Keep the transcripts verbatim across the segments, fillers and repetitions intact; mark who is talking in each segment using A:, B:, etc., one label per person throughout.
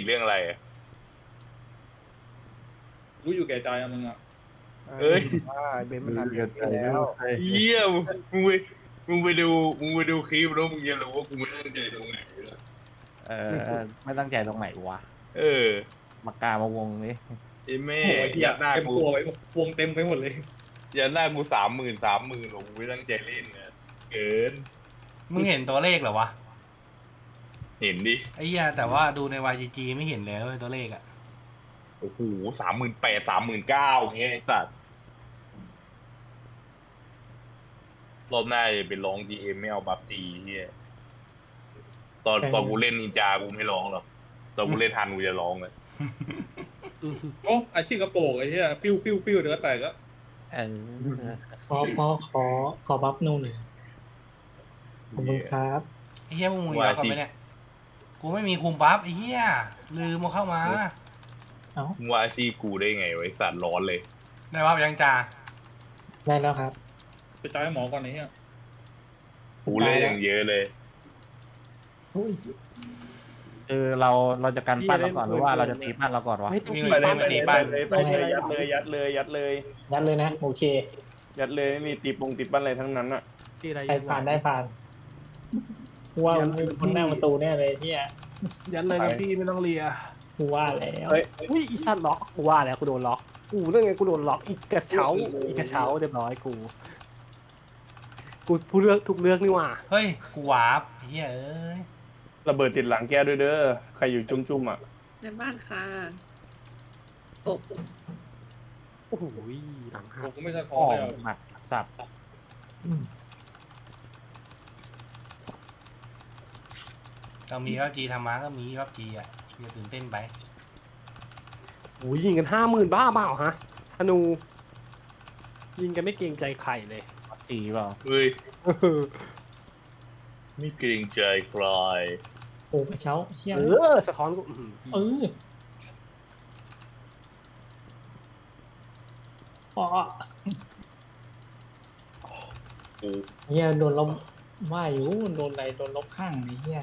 A: เรื่องอะไร
B: รู้อยู่แก่ใจอะมึงอะ
A: เอ้ย
C: ว่าเบนมันทำอย่างนี้แล้ว
A: เยี่ยมมึงไปมึงไปดูมึงไปดูคลิปแล้วมึงจะรู้ว่ากูไม่ตั้งใจตรงไหนเลย
C: เออไม่ตั้งใจตรงไหนวะ
A: เออ
C: มากามาวงนี้
A: ไอ้แม่
B: โอ้ยเหี้ย
A: ยัดหน้า
B: เต็ม
A: กู
B: ตัวไปวงเต็มไปหมดเลย
A: ยัดหน้ากูสามหมื่นสามหมื่นหรอกกูไม่ตั้งใจเล่นเนี่ยเกิน
D: มึงเห็นตัวเลขเหรอวะ
A: เห็นดิ
D: ไอ้เหี้ยแต่ว่าดูใน วาย จี จี ไม่เห็นเลยเว้ยตัวเลขอะ
A: โอ้โหสามหมื่นแปดสามหมื่นเก้าเงี้ยไอ้สัตว์รอบหน้าจะไปร้องจีเอ็มไม่เอาบัฟตีเฮียตอนตอนกูเล่นนินจากูไม่ร้องหรอกตอนกูเล่นทันกูจะร้องเลย
B: โอ้อาชีพกระโปงไอ้เหี้ยปิ้วปิ้วปิ้วเดี๋ยวก็แตกแล้ว
C: เออ
E: ขอขอขอขอบัฟนูนหน่อยขอบคุณครับ
D: ไอ้เหี้ยมึงมีบัฟกันไหมเนี่ยกูไม่มีคุมบัฟไอ้เหี้ยลืมมาเข้ามา
E: เอ้า
A: มึงว่าอาชีพกูได้ไงไวะไอ้สัตว์ร้อนเลย
D: ได้บัฟยังจ่า
E: ได้แล้วครับ
B: ไปจ่ายให้หมอก่อนไอ้เหี้ย
A: กูเล่นอย่างเยอะเลย
E: อุ้ย
C: เออเราเราจะกันปั้นเราก่อนหรือว่าเราจะตีปั้นเราก่อนวะ
F: ไม่ต้อง
D: มี
F: ตี
D: เงิน
F: ปั้น
D: มา
F: ไป
D: ตี
F: เลย
D: บ้าน
F: ไปเลยยัดเลยยัดเลยยัดเลย
E: ยัดเลยนะโอเค
F: ยัดเลยไม่มีตีปงตีปั้นอะไรทั้งนั้นอ่ะ
G: ที่อะไร
E: ใครผ่านได้ผ่านว่ามีคนหน้าประตูแน่เลยเนี่ย
G: ยันเลยนะพี่ไม่ต้องเลีย
E: กูว่าแล้ว
F: เฮ้ย
G: อุ้ยอีสัตว์ล็อกกูว่าแล้วกูโดนล็อกกูเรื่องไงกูโดนล็อกอีกกระเช้าอีกกระเช้าเรียบร้อยกูกูพูดเรื่องทุกเรื่องนี่หว่า
D: เฮ้ยกูวาร์ปไอ้เหี้ยเอ้ย
F: ระเบิดติดหลังแกด้วยเด้อใครอยู่จุ่มๆอ่ะ
H: ในบ้านค่ะโอ้
G: โอ้โหหลัง
B: ผ
G: หั
B: ม
G: ก
B: ก็ไม่สะท้
C: อ๋
B: อ
C: อน
B: เลยอะ
C: หมัดสับ
D: เรามีพับจีธรรมะก็มีพับจีอ่ะอย่าตื่นเต้นไป
G: โอ้ยยิงกันห้าหมื่นบ้าเปล่าฮะธนู ยิงกันไม่เกรงใจใครเลย
C: จีเปล่า
A: เฮ้ยไม่เกรงใจใคร
E: โอ้กระเช้าเชี่ย
G: เออสะท้อนกูอื้อหือ
E: เอออ๋อ
A: กู
E: เฮียโดนลบว่าอยู่โดนอะไรโดนลบข้างไอ้เฮีย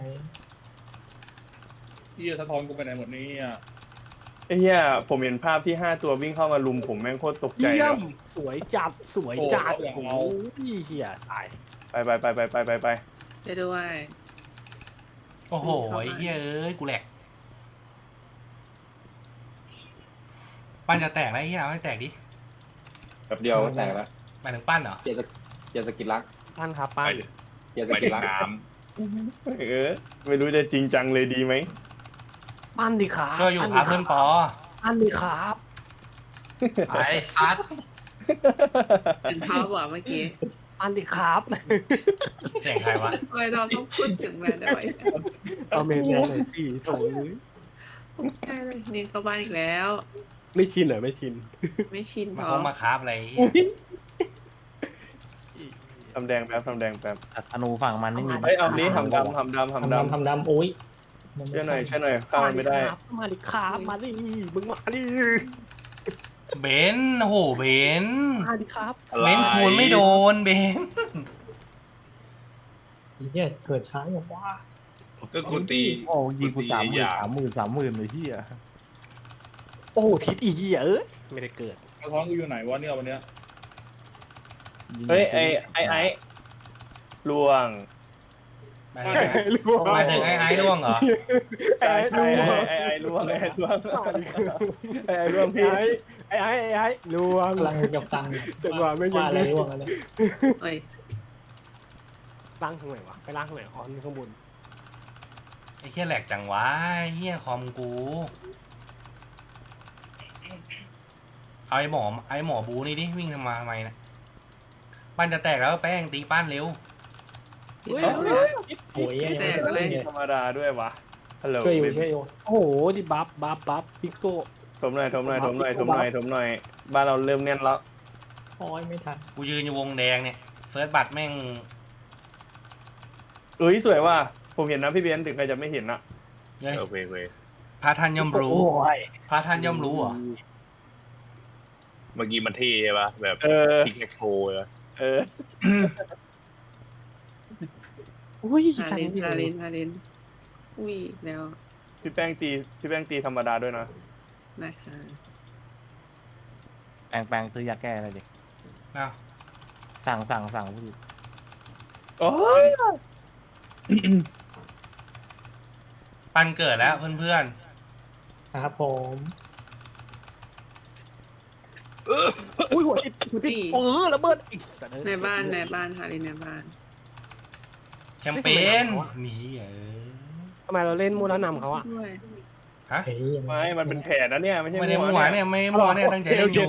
B: เหี้ยสะท้อนกูไปไหนหมดนี่อ่ะ
F: ไอ้เหี้ยผมเห็นภาพที่ห้าตัววิ่งเข้ามาลุมผมแม่งโคตรตกใจ
G: เยี่
F: เลย ย
G: มสวยจัดสวยจัดโอ้ยเหี้ยตาย
F: ไปไปไปไปไปไปไป
H: ไปด้วย
D: โอ้โหไอ้เหี้ยเอ้ยกูแหลกปั้นจะแตกแล้วไอ้เหี้ยเอาให้แตกดิ
I: แบบเดียวก็แตกแล้ว
D: หมายถึงปั้นเหรอ
I: เกียร์สเกียร์สกิลลัก
G: ปั้นครับ
A: ไป
G: ปั้น
A: เลย
I: เกียร์ส
A: ไป
I: กิ
A: ถึ
I: ลลัก
A: งน้
F: เออไม่รู้จะจริงจังเลยดีไหม
G: ปั้นดิครับ
D: ช่วยอยู่ครับเพื่อนปอ
G: ปั้นดิครับ
J: ไอ้ซัด
H: เป็นเขาบอกเมื่อกี้
G: ปั้นดิครับ
D: เสียงใครวะ
H: ทำไมเราต้องพูดถึงแมนด้วย
G: เอาเมนเลยสี่โถย
H: ใช่เลยนี่เข้าบ้านอีกแล้ว
G: ไม่ชินเหรอไม่ชิน
H: ไม่ชินพ
D: มา
H: อ
D: คงมาคราฟอะไรไอ้เหี้ย
F: ทำแดงแป๊บทำแดงแป๊บ
C: ธนูฝั่งมันไม่มี
F: เฮ้ยเอานี้ทำดำทำดำ
E: ทำ
F: ทำด
E: ดำทำดำโอ้ย
F: ำช่วยหน่อยช่วยหน่อยข้ามมันไม่ได้
G: มาดิครับมาดิมึงมาดิ
D: เบนซ์โอ้โหเบนซ์
G: มาดิครับ
A: ำอะไร
D: เบนซ์คูณไม่โดนเบนซ์
E: ไอ้เฮียเกิดช้าอย่างว่า
A: ก็กูตี
C: โอ้ยิงกูสามหมื่น
A: อย่า
C: สามหมื่นสามหมื่นเลยที่อ่ะ
G: โอ้ทิศอีเหี้ยเอ้ยไม่ได้เกิด
B: สะท้อนกูอยู่ไหนวะเนี่ยวันเนี้ย
F: เฮ้ยไอไอไอล่วง
D: หมายถึงหมายถึงไอ้ไอ้ร่วงเหรอ
F: ใช่ใช่ไอไอไอล่วงไอไอล่วงไอไอล่วงพี่
G: ไอ้ไอ้ไอ้ไอ้ลวง
E: กำลังกับตังค์
G: จังหวะไม่ยัง
E: ว่าอะไรร่วงอะไร
H: เอ้ย
G: ล่างทางไหนวะไปล่างทางไหนอ๋อนี่ข้างบน
D: ไอ้เหี้ยแหลกจังวะไอ้เหี้ยคอมกูเอาไอ้หมอไอ้หมอบูนี่ดิวิ่งทำไมาทำไมนะปั้นจะแตกแล้วแป้งตีปั้นเร็ว
H: พี่แตกเลย
E: โอ้ยยังไม่ได้เนี่ย
F: ธรรมดาด้วยวะฮัลโหล
E: ช่วยอยู่ช่วยอยู่
G: โอ้โหดิบัฟบัฟบัฟพิกโก้
F: ถมหน่อยถมหน่อยถมหน่อยถมหน่อยถมหน่อยบ้านเราเริ่มแน่นแล้ว
E: โอ้ยไม่ทัน
D: กูยืนอยู่วงแดงเนี่ยเฟิร์สบัตแม่ง
F: เอ้ยสวยว่ะผมเห็นนะพี่เบนซ์ถึงใครจะไม่เห็นนะ
D: เฮ้ย
A: โอเคโอเค
D: พระท่านย่อมรู้
G: โอ้ย
D: พระท่านย่อมรู้เหรอ
A: เมื่อกี้มันเท่ใช่ปะแบบ
F: เออ
A: พิกแอคโคเลย
F: เออ
G: อุ้ย
H: ฮา
G: สั่น
H: เลน
G: อยู่
H: ฮาเลนฮาเลนอุ้ยแล้ว
F: พี่แป้งตีพี่แป้งตีธรรมดาด้วยนะ
H: นะคะ
C: แปลงแปลงซื้อยาแก้อะไรดิ
D: อ้าว
C: สั่งสั่งสั่งพี่
F: โอ้ย
D: ปันเกิดแล้วเพื่อน
E: ครับผม
G: อุ้ยหัวติดหัวติดเออระเบิดอีกสัตว์
H: ในบ้านในบ้านค่ะลินในบ้าน
D: ๆแชมเปญนี่เออ
G: ทำไมเราเล่นมูแล้วนำเขาอะ
H: ด้วย
D: ฮะ
E: เฮ้ย
F: ไม่มันเป็นแผนนะเนี่ยไม่ใช่
D: ไม่ได้
F: ว
D: มั่วเนี่ยไม่มั่วเนี่ยตั้งใจเล่นอยู่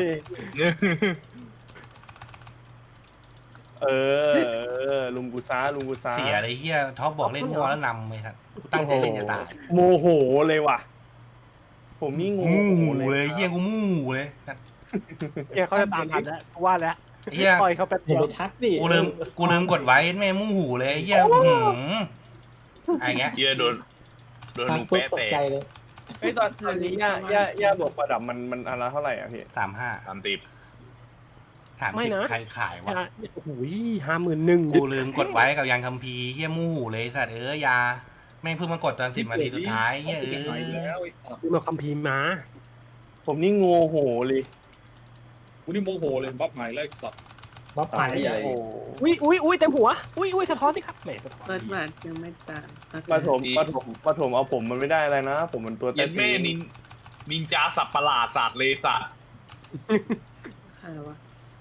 F: เออเออลุงกูซ่าลุงกูซ่า
D: เสียเลยเฮียท็อปบอกเล่นมั่วแล้วนำเลยครับกูตั้งใจเล่นจะตาย
F: โมโหเลยว่ะ ผมนี่งง
D: มู่เลยเฮียกูมู่เลย
G: เนี่ยเขาจะตามทันแล้วกูว่าแล้ว
D: เฮีย
G: ปล่อยเขาแป๊บ
E: อย่า
G: เดียว
E: ไปทักดิ
D: กูลืมกูลืมกดไว้แม่มู่หูเลยเฮียหืมอะไรเงี้ย
A: เฮียโดนโดน
E: ทัก
A: ลูก
E: ปุ๊บ
A: แปะ
E: ตก
A: แต
E: ใจ
A: ก
E: เลย
F: ไอ้ยตอนตอนนี้ย่าย่าย่าบอกประดับมันมันอันละเท่าไหร่อ่ะพี่
D: สามห้า
A: ตามติด
D: ถามสิใครขายวะ
G: โอ้โหห้าหมื่นหนึ่ง
D: กูลืมกดไว้กับยังคัมภีร์เฮียมู่หูเลยสัตว์เอ้ยยาแม่งเพิ่งมากดตอนสิบนาทีสุดท้ายเฮียเอ
B: ไหน
D: อ
B: แล้ว
G: มาคัมภีร์มา
F: ผมนี่โงโหเลย
B: กูนี่โมโหเลยบัฟใหม่แล้วไอ้สัตว์
E: บ๊อบผ่าน
I: ตาย
E: ใหญ่
F: โอ้
G: อุ้ยอุ้ยอุ้ยเต็มหัวอุ้ยอุ้ยสะท้อนสิครับแหมสะท้อน
H: เปิดบัตรยังไม่ตามโอเค
F: ปฐมปฐมปฐมเอาผมมันไม่ได้อะไรนะ ผมมันตัว
A: เย็
F: เต้
A: น
F: น
A: แม่นินนินจาสับประหลาดสัตว์เลยสัตว์
H: ใครวะ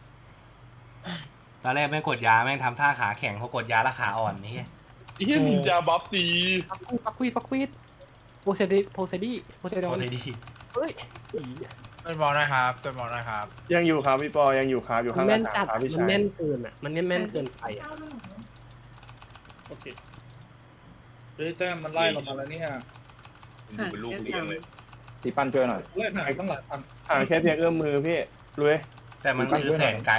D: ตอนแรกแม่งกดยาแม่งทำท่าขาแข็งพอกดยาแล้วขาอ่อนนี่
A: เฮียนินจาบัฟตี
G: ปักควีดปักควีดโพเซดีโพเซดีโพเซดอ
D: โค
G: น
D: ตรดี
G: เฮ้ย
J: ต้นมองนะครับต้นมองนะครับ
F: ยังอยู่ครับพี่ปอยังอยู่ครับอยู่
G: มั
F: ข้าน งห
G: แม่
F: น้าน ต่า
G: จัด
F: งครับพี่
G: มัน
F: ชาย
G: แม่นเกินอ่ะมันแม่นเกินไปอ่ะ
B: โอเคเฮ้ยแต้มมันไล่เรามาแล้วเนี่ย
A: ดูเป็นลูกเลี้ยงเลย
I: ตีปั้นช่วยหน่อย
B: เล่นหายตั้งหลายพัน
F: ห่างแค่เพียงเอื้อมมือพี่รวย
D: แต่มันคือแสนไกล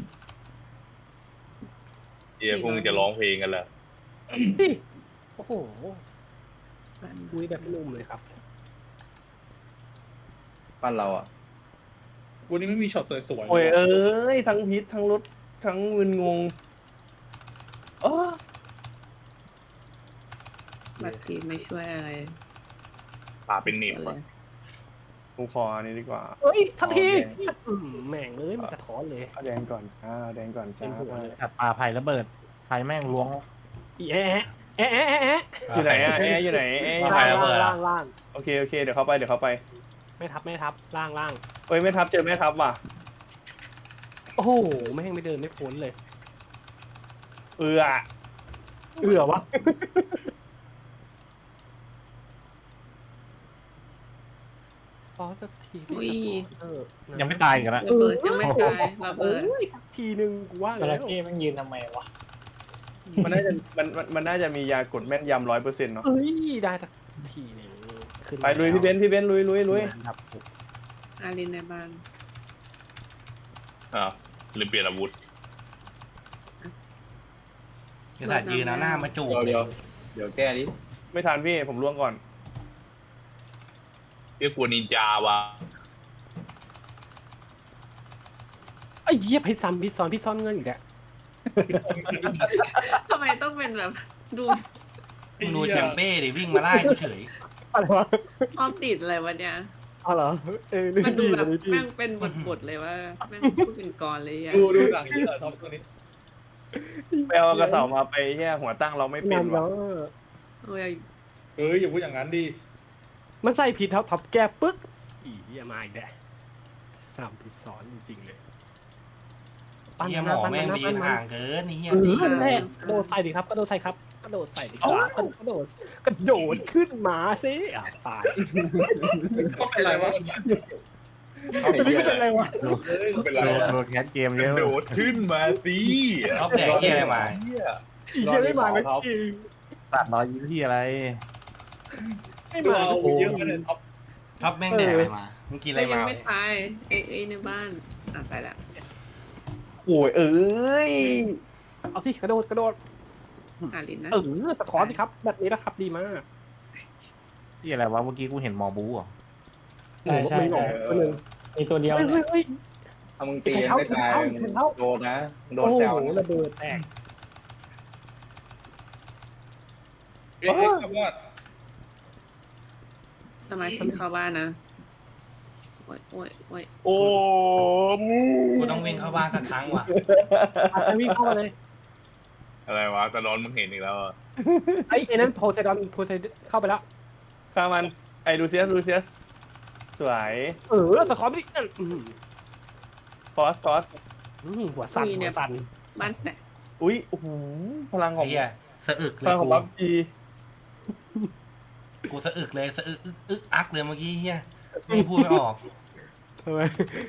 A: เฮียพวกมึงจะร้องเพลงกันแล้ว
G: โอ้โหคุยแบบนุ่มเลยครับ
I: ปั้นเราอ่ะ
B: วันนี้ไม่มีช็อตสวยๆ
F: โอ้ยเอ้ยทั้งพิษทั้งรถทั้งมึนงงเออ
H: บัตรทีไม่ช่วยอะไร
A: ป่าเป็นเน็บ
H: เล
A: อะ
H: ย
F: ผมขออันนี้ดีกว่า
G: เฮ้ยสักทีอืมแม่งเลยมันสะท้อนเลย
F: เอาแดงก่อนอ่าแดงก่อนจ้า
C: ตัดปลาไผ่ระเบิดไผ่แม่งล้วง
G: อีแอะแอะแอะแอะแอะ
F: อยู่ไหนอ่ะแอร์อยู่ไหนแอร์อยู่ไหน
D: ใครระเบิดอะ
G: ล่างล่าง
F: โอเคโอเคเดี๋ยวเข้าไปเดี๋ยวเข้าไป
G: ไม่ทับไม่ทับล่างล่าง
F: เอ้ยไม่ทับเจอไม่ทับว่ะ
G: โอ้โหแม่งไม่เดินไม่พ้นเลย
F: เออ
G: เอือวะพอสักทีสิ
H: อุ้ย
G: เออ
C: ยังไม่ตายกันละ
H: ระเบิดยังไม่ตายระเบิด
G: โอ้ยสักทีหนึ่งกูว่า
E: จระ
G: แล้ว
E: เข้แมันยืนทำไมวะ
F: มันน่าจะมันมันมันน่าจะมียากดแม่นยำร้อยเปอร์เซ็นต์เนาะ
G: เอ้ยได้สักทีหนึ่งขึ้น
F: ไปลุยพี่เบนซ์พี่เบนซ์ลุยลุยลุย
G: ครับ
H: อารินในบ้าน
A: อ่าวลืมเปลี่ยนอาวุธ
D: กษัตริย์ยืนเอาหน้ามาจูบ
I: เดี๋ยว
D: เล
I: เดี๋
D: ย
I: ยวเดี๋ยวแก้ดิ
F: ไม่ทันพี่ผมล่วงก่อน
A: เรียกกลัวนินจาวะ
G: ไอ้เหี้ยพี่ซ้ำพี่ซ้อนพี่ซ้อนเงินอีกแล้ว
H: ทำไมต้องเป็นแบบดู
D: มึงดูแชมเป้ดิวิ่งมาไล่กูเฉย
G: อะไรวะ
H: อ้อมติดอะไรวะเนี่ย
G: อ๋อเหรอเออนี่
H: มันดู
G: ดี
H: แบบ
G: นี่ดี
H: แม่งเป็นบทบทๆเลยว่าแม่งพูดเป็นกรเลยอ่ะ
B: ดูดูหนังเยอะท็อปตัวนี้
F: ไปเอากระเสามาไปแค่หัวตั้งเราไม่เป็น
G: งาน
F: ว่ะ
G: แล้ว
H: โอ้ย
B: เอ้ยอย่าพูดอย่างนั้นดิ
G: มันใส่ผิดท็อปท็อปแก้ปึ๊กอีเหี้ยมาอีกแล้วสามผิดซ้อนจริงๆเลย
D: เฮียหมอแม่งไปยืนห่างเกินนี่เฮีย
G: เอ
D: ตี
G: อแรกกระโดดใส่ดิครับกระโดดใส่ครับกระโดดใส่ดิครับกระโดดกระโดดขึ้นมาสิอ่ะตาย
B: ก็เป็นไรวะ
G: ไม่เป็นไรวะ
B: เอ้ยก็เป็นไร
C: โดน
B: วะ
C: โดนแคสเกมเยอะ
A: โดดขึ้นมาสิ
D: รอบแดกเฮียอะไรมา
B: เหี้ย
G: อีเหี้ยไม่มาไม่จริง
C: ตัดรอยยิ้มที่อะไร
G: ไม่
B: ดู
G: มา
B: เอา
G: โอ้
B: เยอะกันเลยท็อป
D: ท็อปแม่งแดกอะไรมามึงกินอะไร
H: แต่ยัง
D: มา
H: ไม่ตายเอ้ยเอ้ยในบ้านอ่ะไปละ
F: โอ้ยเอ้ย
G: เอาสิกระโดดกระโดด
H: อารินนะ
G: เออสะท้อนสิครับแบบนี้นะครับดีมาก
C: ที่อะไรวะเมื่อกี้กูเห็นหมอบูอ่ะ
E: ใช่ใช่
G: ไม่หลอกตัวหนึ่ง
E: มีตัวเดียว
G: เฮ้ย
E: เนี่ย
G: เฮ้ย
I: ถ้ามึงตีไม่ตายมึงโดนนะมึงโด
G: โอ้
I: น
G: โห
I: แซวนะ
G: ระเบิดแตก
B: เอ๊ะเอ๊ะครับว่า
H: สมาชิกเข้าบ้านนะโอ้ยโอ้ยโอ้ย
A: โอ้มู
D: กูต้องวิ่งเข้าบ้านสักครั้งว่ะ
G: ไปวิ่งเข้ามาเลย
A: อะไรวะตะนอนมึงเห็นอีกแล้วอะ
G: ไอ้ไอ้นั้นโพไซดอนโพไซดอนเข้าไปแล้ว
F: ฆ่ามันไอ้ลูเซียสลูเซียสสวย
G: เออสกอร์ไม่ได้อืม
F: ฟอสฟอส
G: อืมหัวสั่นหัวสั่น
H: บ้านแต่
F: อุ้ยโอ้โหพลังข
D: ไอ้
F: อง
D: เหี้ยสะอึกเล
F: พลั
D: ย
F: งของ
D: กู
F: บัฟจี
D: กูสะอึกเลยสะอึกอึกอึกอักเลยเมื่อกี้เหี้ยไม่พูดไม่ออก
G: ทำไม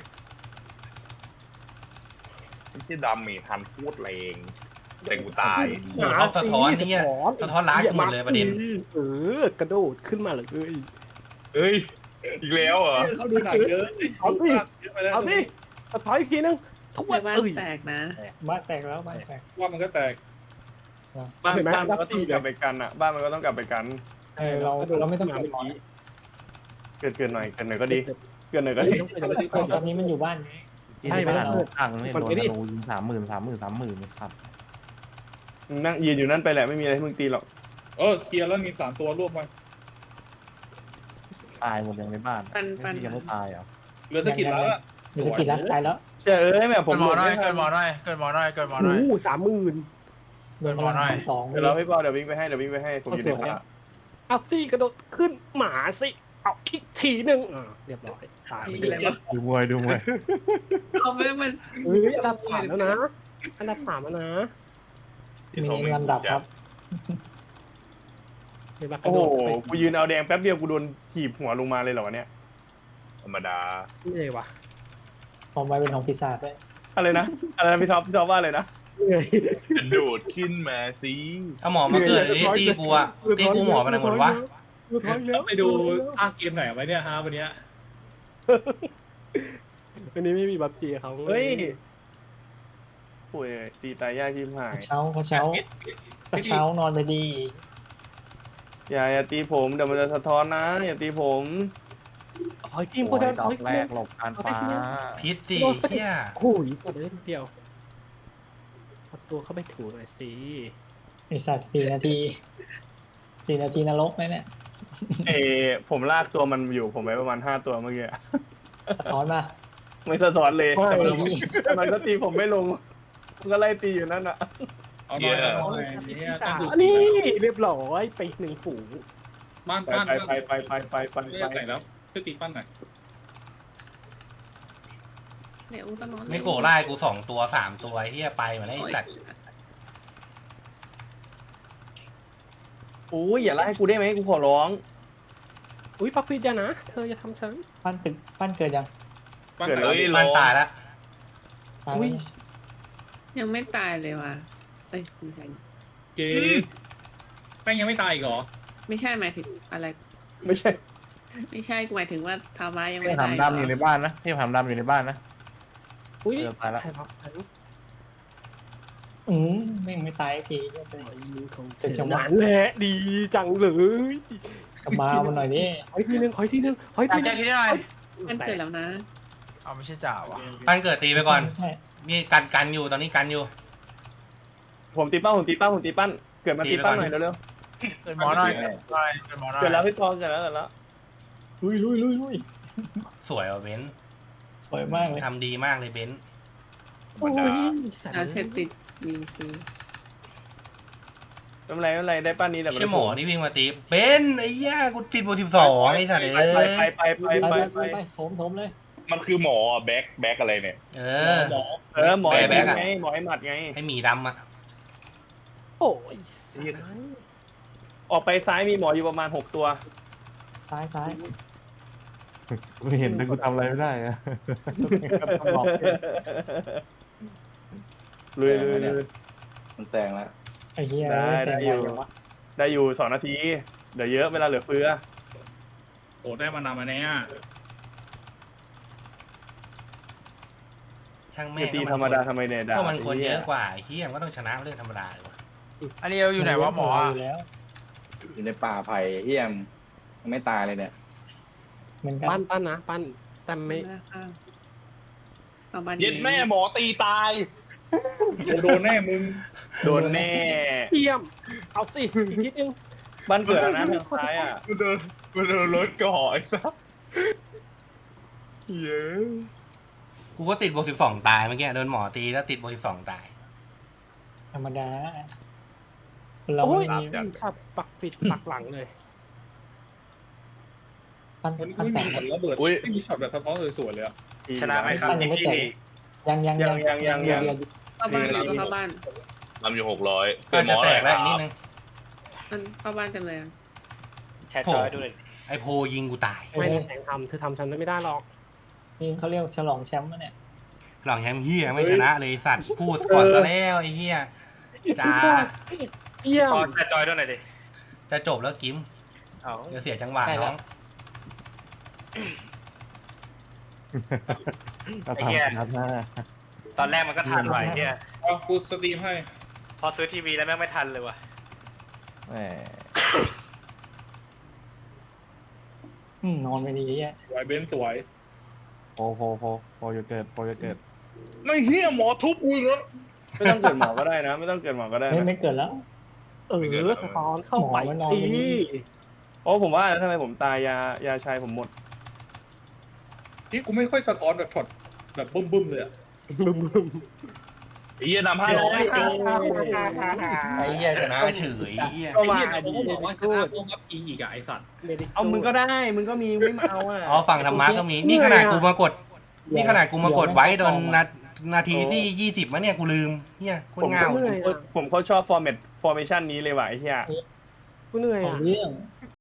A: ที่ดำมีทันพูดแรงแต่กูตาย
D: โหเอาสะท้อนไอ้เหี้ยสะท้อนล้างกูหมดเลยประเด็น
G: เออกระโดดขึ้นมาเลย
A: เฮ้ยอีกแล้วเหรอ
B: เขาดูหนักเยอะ
G: เอาสิ
B: เยอะไปแล้ว
G: เอาสิสะท้อนอีกทีนึงทุก
H: ใน
G: วัน
H: บ้าน
G: เอ้ย
H: แตกนะ
E: บ้านแตกแล้วบ้านแตก
B: ว่ามันก็แตก
F: บ้าน
G: เห็นไหม
F: บ้านมันก็ต้องกลับไปกันอ่ะบ้านมันก็ต้องกลับไปกัน
E: เออเราเราไม่ต้องเกิดร้อน
F: เกิดเกินหน่อยเกินหน่อยก็ดีเกินหน่อยก็ดี
E: ตอนนี้มันอยู่บ้านไง
C: ที่บ้านตังค์เนี่ยโดนธนูยิงสามหมื่นสามหมื่นสามหมื่นครับ
F: มึงนั่งยืนอยู่นั่นไปแหละไม่มีอะไรให้มึงตีหรอก
B: เออเคลียร์แล้วมีสามตัวรวบมา
C: ตายหมดยังในบ้าน
H: ปันปัน
C: ยังไม่ตายเหรอ
B: เหลือสกิลแล้วอะ
E: มีสกิลแล้วตายแล้ว
F: เชื่อเอ้ยแม่ผม
J: เกิดหม
F: ห
J: อ
F: ลุด
J: หน่อย
F: ไม่ทั
J: เกิ
F: น
J: ดหมอหน่อยเกิดหมอหน่อยเกิดหมอห
G: โอ้
J: น่อย
G: โหสามหมื่น
E: โดนพลังสอง
F: เดี๋ยวเราพี่ปอเดี๋ยววิ่งไปให้เดี๋ยววิ่งไปให้ผมอยู่ในพละ
G: เอาสิกระโดดขึ้นหมาสิเอาอีกทีนึงอ่าเรียบร้อยตายไป
H: มีอะไร
G: แล้ว
H: วะ
C: ดูมวยดูมวย
H: เอาไม่มัน
G: เฮ้ยอันดับสามแล้วนะอันดับสามแล้วนะ
E: มีลำดับครับ
G: เห็นปะก
F: โอ้
G: ระ
F: โห
G: โดดไป
F: กูยืนเอาแดงแป๊บเดียวกูโดนขีบหัวลงมาเลยเหรอวะเนี่ย
A: ธรรมดา
G: เหนื่อยวะ
E: ของไว้เป็นของปีศาจด้วย
F: อะไรนะอะไรนะพี่ท็อปพี่ท็อปว่าอะไรนะ
G: เหนื่อย
A: กระโดดขึ้นมาสิ
D: เอาหมอมาเกิดนี่ตีกูอะตีกูหมอไปไหนหมดวะ
B: ไปดูภาคเกมไหนไว้เนี่ยฮะวันเนี้ย
G: วันนี้ไม่มีบัฟจีเขา
F: เฮ้ยโอ้ยตีตายยากชิบหาก ย
E: ระเช้ากระเช้ากระเช้านอนไปดี
F: อย่าอย่าตีผมเดี๋ยวมันจะสะท้อนนะอย่าตีผม
G: หอยจิ้ม
C: โอ้
G: โคตร
C: ยดอกแรกหลบการฟ้า
D: พิษสิเหี้ย
G: โอ้ยกดได้นิดเดียวเอาตัวเข้าไปถูหน่อยสิ
E: ไอสัตว์สี่นาทีสี่นาทีนรกไหมเนี่ย
F: เออผมลากตัวมันอยู่ผมไปประมาณห้าตัวเมื่อกี้อะ
E: สะท้อนมา
F: ไม่สะท้อนเลย
E: ไม่
F: แต่มันแต่มันก็ตีผมไม่ลงมันก็ไล่ตีอยู่นั่นอ่ะ
B: เอาหน่อยเอาหน่อยเนี่ยตั้งดู
G: อันนี้เรียบร้อยไปหนึ่งฝูง
B: บ้าน
F: ไป
B: บ้าน
F: ไปไปไปไปไปไป
B: ไม่
F: ไป
B: ได้ไหนแล้วช่วยตีปั้นหน่อย
H: เดี๋ยวต้องนอน
D: ไม่โกไล่กูสองตัวสามตัวไอ้เหี้ยไปมาแล้วไอ้สัตว์
F: โอ้ยอย่าไล่กูได้ไหมกูขอร้อง
G: อุ้ยปักฟิตอย่านะ เธอจะทำฉัน
E: ปั้นตึกปั้นเกิดยัง
B: ปั้น
F: เกิด
B: ไหน
F: อะไร
A: เฮ้ย
D: มันตายแล้ว
E: ตาย
G: อุ้ย
H: ยังไม่ตายเลยว่ะเอ้ยไม่ใช่
B: เกมแป้งยังไม่ตายอีกเหรอ
H: ไม่ใช่หมายถึงอะไร
F: ไม่ใช่
H: ไม่ใช่กูหมายถึงว่าทามายัง
C: ที่
H: ไม่ตาย
C: ทำดำอยู่ในบ้านนะที่ทำดำอยู่ในบ้านนะ
G: อุ้ย
C: เจอตายแล้ว
G: ใครพักฉัน
E: อืมไม่ไม่ตายสักที
G: ของเธอหวานแหละดีจังเลย
E: กลับมาเอามันหน่อยดิ
G: ขออีกทีนึงขออีกทีนึงขออีก
J: จ่า
G: ทีนึ
J: แก้
G: ง
J: คิดได้
H: มันเกิดแล้วนะ
J: เอาไม่ใช่จ่าวะ
D: ปั้นเกิดตีไปก่อน
E: ไม่ใช่
D: นี่กันกันอยู่ตอนนี้กันอยู่
F: ผมตีเป้าผมตีเป้าผมตีปั้นเกิดมาตีปั้นหน่อยเร็ว
J: เกิดหมอหน่อยเกิดหมอหน่อยเกิดหมอหน่
F: ๆ
J: อย
F: เกิดแล้วพี่ปอเกิดแล้วเกิดแล้ว
E: ลุยลุยลุยลุย
D: สวยว่ะเบนซ์
E: สวยมากเลย
D: ทำดีมากเลยเบนซ์
G: โอ้ยสัตว์
H: เอาเสพติดยิงคือ
F: ไม่เป็นไรไม่เป็นไรได้ปั้นนี้แต่
D: ใช่หมอนี่วิ่งมาตีเบนซ์ไอ้เหี้ยกูติดโบสิบสองไอ้สัตว์เอ้
F: ไป
D: ย
F: ไปไปไป
E: ไป
F: ไป
E: ไป
F: ไป
E: ไปไปโถมโถมเลย
A: มันคือหมอแบ็คแบ็คอะไรเนี่ย
D: เออ
B: หมอ
F: เออหมอไอ้
D: แบ
F: แบ็
D: ก
F: ก
D: อะ
F: ไงหมอไอ้หมัดไง
D: ไอ้หมีดำอะ
G: โอ้ยสัตว์
F: ออกไปซ้ายมีหมออยู่ประมาณหกตัว
E: ซ้ายซ้าย
C: กูเห็นแต่กูทำอะไรไม่ได้อะ
F: ลุยลุยลุย
I: มันแตงแล้ว
E: ไอ้เหี้ย
F: ได้ได้อยู่
E: แต่งวะ
F: ได้อยู่สองนาทีเดี๋ยวเยอะเวลาเหลือเฟือ
B: โอ้ได้มานำมาเนี่ย
D: ช่าง
F: ไม่
D: แม่ง
F: ตี
D: ก็
F: ธรรมดาทำไมเนี่ยด่า
D: ก็มันคนเยอะกว่าไอ้เหี้ยมันก็ต้องชนะเรื่องธรรมดาเลยวะ
J: อันนี้เอาอยู่ไหนวะหมออะ
E: ยู่แล้ว
I: อยู่ในป่าไผ่เฮียมยังไม่ตายเลยเนี่ย
E: เหมือนกัน
G: ปั้นปั้นนะปั้นแต่ไม่
H: เอาบ้าน
A: เย็ดแม่หมอตีตาย
B: โดนแน่มึง
F: โดนแน่
G: เยี่ยมเอาสิอีกนิดนึง
F: บ้านเกิดแล้วนะทางซ้ายอ่ะ
A: กูโดนมันโดนรถก่อไอ้สัสเย้ย
D: กูก็ติดบวกสิบสองตายเมื่อกี้โดนหมอตีแล้วติดบวกสิบสองตาย
E: ธรรมดาเรา
G: โอ้ย
E: ไม่มี
G: สับปักปิดปักหลังเลย
E: ปั้น
B: มัน
E: ปั้น
B: ไม่
E: แต
B: มี
E: ก
B: ช็อตระเบิดไม่มีช็อตแบบสะท้อนสวยๆเลยอ่ะ
F: ชนะไหมครับ
E: ปั้นยังไม่แตกยังยังยังยังยังยัง
H: เข้าบ้านเราก็เข้าบ้าน
A: ทำอยู่หกร้อย
D: ก็จะแตกแล้วอีกนิดนึง
H: มันเข้าบ้านเต็มเลยอะ
F: แชร์จอยด้วย
D: ไอโพยิงกูตาย
G: ไม่ได้แข่งทำเธอทำฉันไม่ได้หรอก
E: นี่เขาเรียกฉลองแชมป์มะเนี่ย
D: หลังแชมป์เฮียไม่ชนะเลยสัตว์พูดก่อนซะแล้วไอ้เฮียจ้า
G: เยี่ยม
F: ขอแชร์จอยด้วยหน่อยดิ
D: จะจบแล้วกิม
F: เอา
D: เดี๋ยวเสียจังหวะน้อง
C: ก็ทำครับนะ
F: ตอนแรกมันก็ทันไหวเนี่ย
B: เอากูสตรีมให้
F: พอซื้อทีวีแล้วแม่งไม่ทันเลยว่ะ
C: แหม
E: อืมนอนไม่ดีแย่
B: สวยเบนสวย
C: โพโพโพโพอยู่เกิดโพอยู่เกิด
A: ไม่เฮียหมอทุบกูอีกแล้ว
F: ไม่ต้องเกิดหมอก็ได้นะ ไม่ต้องเกิดหมอก็ได้
E: ไม่
F: นะ
E: ไม่เกิดแล้ว
G: เออสะท้อนเข้าไป
E: หมอมันนอน
G: ที
E: ไม่ดี
F: โอ้ผมว่าแล้วทำไมผมตายยายาชายผมหมด
B: ที่กูไม่ค่อยสะท้อนแบบช็อตแบบบึ้มๆเลยอ่ะ
G: บึ้มบึ้ม
A: ไอ้เฮียนำห้าร้อย
D: ไอ้เฮียชนะเฉยไอ้เฮีย
F: ก็มา
B: เขาก็บอกว่าชนะต้องรับอีอีกอ่ะไอสัตว์
F: เอามึงก็ได้ มึงก็มีไม่มาเอาอ่ะ
D: อ๋อฝั่งธรรมะก็มีนี่ขนาดกูมากดนี่ขนาดกูมากดไว้ตอนนานาทีที่ยี่สิบมั้งเนี่ยกูลืมเฮียโคตรเงา
G: เหนื่อยอะ
F: ผมเขาชอบฟอร์แมตฟอร์เมชันนี้เลยว่ะไอ้เหี้ย
G: กูเหนื่อย
E: ของ
G: อ่ะ
E: เรื่อง